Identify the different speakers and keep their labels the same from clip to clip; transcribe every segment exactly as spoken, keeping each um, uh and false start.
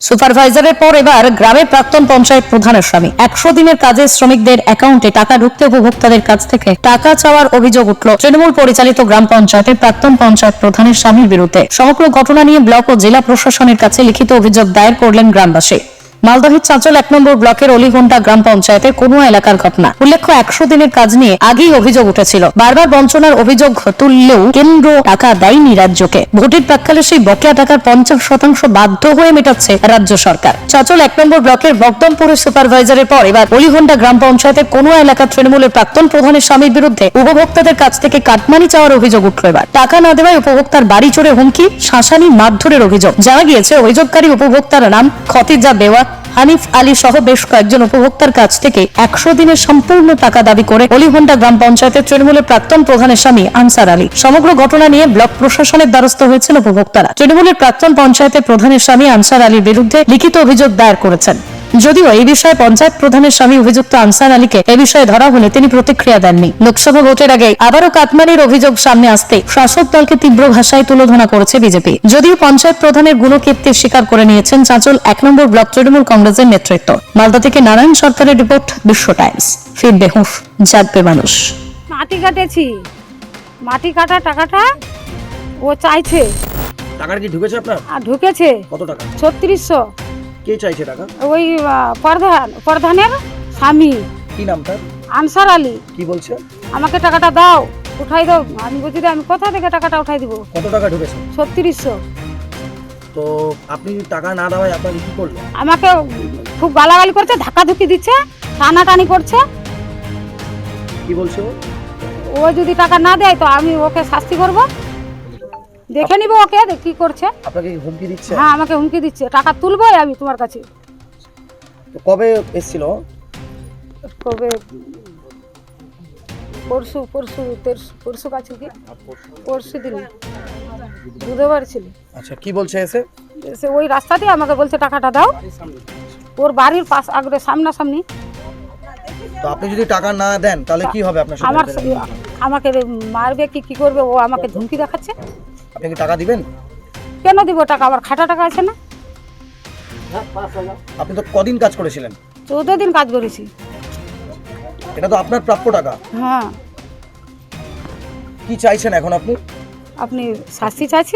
Speaker 1: সুপারভাইজারের পর এবার গ্রামের প্রাক্তন পঞ্চায়েত প্রধানের স্বামী একশো দিনের কাজে শ্রমিকদের অ্যাকাউন্টে টাকা ঢুকতে উপভোক্তাদের কাছ থেকে টাকা চাওয়ার অভিযোগ উঠল তৃণমূল পরিচালিত গ্রাম পঞ্চায়েতের প্রাক্তন পঞ্চায়েত প্রধানের স্বামীর বিরুদ্ধে। সমগ্র ঘটনা নিয়ে ব্লক ও জেলা প্রশাসনের কাছে লিখিত অভিযোগ দায়ের করলেন গ্রামবাসী। মালদহের চাঁচল এক নম্বর ব্লকের অলিঘন্টা গ্রাম পঞ্চায়েতের কোনো এলাকার ঘটনা। উল্লেখ্য, একশো দিনের কাজ নিয়ে আগেই অভিযোগ উঠেছিল। বারবার বঞ্চনার অভিযোগ তুললেও কেন্দ্র টাকা দেয়নি রাজ্যকে। ভোটের প্রাক্কালে সেই বকেয়া টাকার পঞ্চাশ শতাংশ বাধ্য হয়ে মেটাচ্ছে রাজ্য সরকার। চাঁচল এক নম্বর ব্লকের বকদমপুরের সুপারভাইজারের পর এবার অলিঘন্টা গ্রাম পঞ্চায়েতের কোনো এলাকার তৃণমূলের প্রাক্তন প্রধানের স্বামীর বিরুদ্ধে উপভোক্তাদের কাছ থেকে কাটমানি চাওয়ার অভিযোগ উঠল। এবার টাকা না দেওয়ায় উপভোক্তার বাড়ি চড়ে হুমকি, শাসানি, মারধরের অভিযোগ। জানা গিয়েছে, অভিযোগকারী উপভোক্তার নাম খতিজা বেওয়া, হানিফ আলী সহ বেশ কয়েকজন উপভোক্তার কাছ থেকে একশো দিনের সম্পূর্ণ টাকা দাবি করে অলিঘন্টা গ্রাম পঞ্চায়েতের তৃণমূলের প্রাক্তন প্রধানের স্বামী আনসার আলী। সমগ্র ঘটনা নিয়ে ব্লক প্রশাসনের দ্বারস্থ হয়েছিল উপভোক্তারা। তৃণমূলের প্রাক্তন পঞ্চায়েতের প্রধানের স্বামী আনসার আলীর বিরুদ্ধে লিখিত অভিযোগ দায়ের করেছেন। যদিও এই বিষয়ে পঞ্চায়েত প্রধানের স্বামী অভিযুক্ত আনসার আলীকে এ বিষয়ে ধরা হলে তিনি প্রতিক্রিয়া দেননি। লোকসভা ভোটের আগে আবারও কাটমানির অভিযোগ সামনে আসতে শাসক দলকে তীব্র ভাষায় তুলোধনা করেছে বিজেপি। যদিও পঞ্চায়েত প্রধানের গুণকীর্তি স্বীকার করে নিয়েছেন চাঁচল এক নম্বর ব্লক তৃণমূল কংগ্রেসের নেতৃত্ব। মালদা থেকে নারায়ণ সরকারের রিপোর্ট, বিশ্ব টাইমস। ফিরবে হুঁশ, জাগবে মানুষ।
Speaker 2: মাটি কাটেছি, মাটি কাটা টাকাটা ও চাইছে।
Speaker 3: টাকার কি ঢুকেছে আপনার?
Speaker 2: আর ঢুকেছে
Speaker 3: কত টাকা?
Speaker 2: ছত্রিশশো।
Speaker 3: কে চাইছে টাকা?
Speaker 2: ওই আহ, প্রধান প্রধানের স্বামী
Speaker 3: কি নাম তার?
Speaker 2: আনসার আলী।
Speaker 3: কি বলছে?
Speaker 2: আমাকে টাকাটা দাও, উঠাই দাও। আমি বলছি যে আমি কোথা থেকে টাকাটা উঠাই দিব?
Speaker 3: কত টাকা ঢুকেছে?
Speaker 2: ছত্রিশশো।
Speaker 3: তো আপনি টাকা না দেওয়ায় আপনাকে কি করলো?
Speaker 2: আমাকে খুব গালাগালি করছে, ধাক্কাধুক্কি দিচ্ছে, টানাটানি করছে।
Speaker 3: কি বলছে ও?
Speaker 2: ও যদি টাকা না দেয় তো আমি ওকে শাস্তি করব, দেখে নিব ওকে কি করছে।
Speaker 3: আপনাকে কি হুমকি দিচ্ছে?
Speaker 2: হ্যাঁ, আমাকে হুমকি দিচ্ছে, টাকা তুলবই আমি তোমার কাছে।
Speaker 3: তো কবে এসেছিল?
Speaker 2: কবে? পরশু পরশু তেরশু- পরশু কাছে কি পরশু দিন বুধবার ছিল।
Speaker 3: আচ্ছা, কি বলছে এসে?
Speaker 2: সে ওই রাস্তা দিয়ে আমাকে বলছে টাকাটা দাও। ওর বাড়ির পাশ আগে সামনাসামনি।
Speaker 3: তো আপনি যদি টাকা না দেন তাহলে কি হবে আপনার সাথে?
Speaker 2: আমার আমাকে মারবে কি কি করবে, ও আমাকে ধমকি দেখাচ্ছে।
Speaker 3: আপনি কি টাকা দিবেন?
Speaker 2: কেন দিব টাকা? আমার খাটা টাকা আছে না?
Speaker 3: আপনি তো কদিন কাজ করেছিলেন?
Speaker 2: চৌদ্দ দিন কাজ করেছি।
Speaker 3: এটা তো আপনার প্রাপ্য টাকা।
Speaker 2: হ্যাঁ।
Speaker 3: কি চাইছেন এখন আপনি?
Speaker 2: আপনি শাস্তি চাইছি।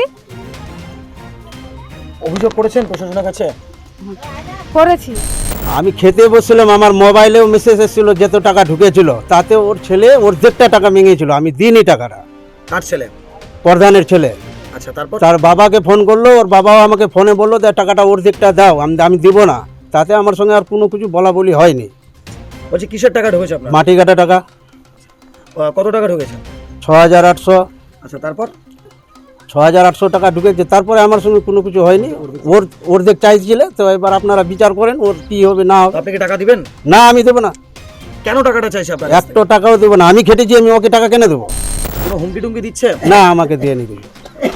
Speaker 3: অভিযোগ করেছেন প্রশাসনের কাছে?
Speaker 2: করেছি।
Speaker 4: আমি খেতে বসছিলাম, আমার মোবাইলেও মেসেজ এসেছিল যত টাকা ঢুকেছিল তাতে ওর ছেলে অর্ধেকটা টাকা ভেঙেছিল। আমি দিইনি টাকাটা।
Speaker 3: কার ছেলে?
Speaker 4: প্রধানের ছেলে।
Speaker 3: আচ্ছা, তারপর?
Speaker 4: তার বাবাকে ফোন করলো, ওর বাবাও আমাকে ফোনে বললো যে টাকাটা অর্ধেকটা দাও, আমি আমি দিব না। তাতে আমার সঙ্গে আর কোনো কিছু বলা বলি হয়নি।
Speaker 3: বলছি কিসের টাকা ঢুকেছে আপনার?
Speaker 4: মাটি কাটা টাকা।
Speaker 3: আহ, কত টাকা ঢুকেছে?
Speaker 4: ছ হাজার আটশো
Speaker 3: আচ্ছা, তারপর?
Speaker 4: ছ হাজার আটশো টাকা ঢুকেছে। তারপরে আমার সঙ্গে কোনো কিছু হয়নি। ওর অর্ধেক চাইছিলে, তো এবার আপনারা বিচার করেন ওর কী হবে না হবে।
Speaker 3: আপনি কি টাকা দিবেন?
Speaker 4: না, আমি দেবো না।
Speaker 3: কেন টাকাটা চাইছে আপনার?
Speaker 4: একটা টাকাও দেবো না। আমি খেটেছি, আমি ওকে টাকা কেন দেবো?
Speaker 3: কোনো হুমকি টুমকি দিচ্ছে?
Speaker 4: না, আমাকে দিয়ে নি কিছু।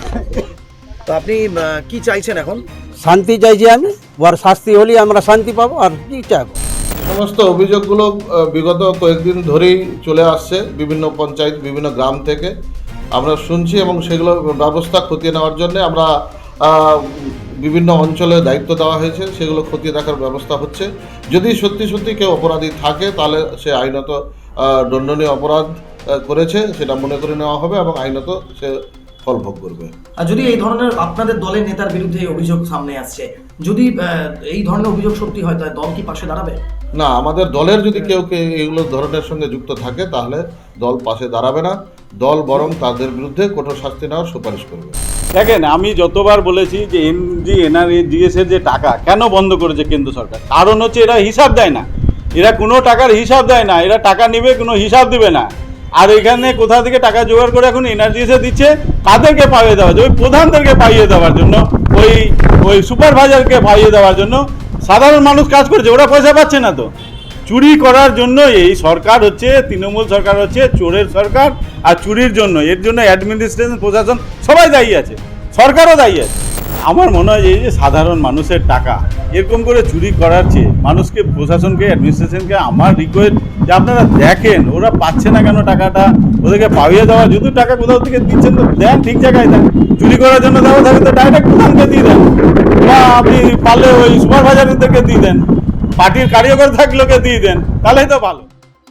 Speaker 3: তো আপনি আহ, কি চাইছেন এখন?
Speaker 4: শান্তি চাইছি আমি। ওর শাস্তি হলেই আমরা শান্তি পাবো। আর কি চাইবো?
Speaker 5: সমস্ত অভিযোগগুলো আহ, বিগত কয়েকদিন ধরেই চলে আসছে বিভিন্ন পঞ্চায়েত, বিভিন্ন গ্রাম থেকে আমরা শুনছি, এবং সেগুলো ব্যবস্থা খতিয়ে নেওয়ার জন্য আমরা আহ, বিভিন্ন অঞ্চলে দায়িত্ব দেওয়া হয়েছে, সেগুলো খতিয়ে দেখার ব্যবস্থা হচ্ছে। যদি সত্যি সত্যি কেউ অপরাধী থাকে তাহলে সে আইনত আহ, দণ্ডনীয় অপরাধ আহ, করেছে সেটা মনে করে নেওয়া হবে এবং আইনত সে ফল ভোগ করবে।
Speaker 3: আর যদি এই ধরনের আপনাদের দলের নেতার বিরুদ্ধে এই অভিযোগ সামনে আসছে, যদি আহ, এই ধরনের অভিযোগ সত্যি হয় তাহলে দল কি পাশে দাঁড়াবে?
Speaker 5: না, আমাদের দলের যদি কেউ কেউ এগুলো ধরনের সঙ্গে যুক্ত থাকে তাহলে দল পাশে দাঁড়াবে না। দল বরং তাদের বিরুদ্ধে কঠোর শাস্তি নেওয়ার সুপারিশ করবে।
Speaker 6: দেখেন, আমি যতবার বলেছি যে এনজি এনআরজিএস এর যে টাকা কেন বন্ধ করেছে কেন্দ্র সরকার, কারণ হচ্ছে এরা হিসাব দেয় না। এরা কোনো টাকার হিসাব দেয় না। এরা টাকা নেবে, কোনো হিসাব দিবে না। আর এখানে কোথা থেকে টাকা জোগাড় করে এখন এনআরজিএস এ দিচ্ছে, কাদেরকে পাইয়ে দেওয়া যায়? ওই প্রধানদেরকে পাইয়ে দেওয়ার জন্য, ওই ওই সুপারভাইজারকে পাইয়ে দেওয়ার জন্য। সাধারণ মানুষ কাজ করছে, ওরা পয়সা পাচ্ছে না। তো চুরি করার জন্য এই সরকার হচ্ছে, তৃণমূল সরকার হচ্ছে চোরের সরকার। আর চুরির জন্য, এর জন্য অ্যাডমিনিস্ট্রেশন, প্রশাসন সবাই দায়ী আছে। সরকারও দায়ী আছে। আমার মনে হয় যে এই যে সাধারণ মানুষের টাকা এরকম করে চুরি করার চেয়ে মানুষকে, প্রশাসনকে, অ্যাডমিনিস্ট্রেশনকে আমার রিকোয়েস্ট যে আপনারা দেখেন ওরা পাচ্ছে না কেন টাকাটা, ওদেরকে পাইয়ে দেওয়া, যদি টাকা কোথাও থেকে দিচ্ছেন তো দেন, ঠিক জায়গায় দেন। চুরি করার জন্য দেওয়া থাকে তো ডাইরেক্ট প্রধানকে দিয়ে দেন, বা আপনি পারলে ওই সুপারভাইজারদেরকে দিয়ে দেন, পার্টির কার্যকর থাকলেকে দিয়ে দেন, তাহলেই তো ভালো।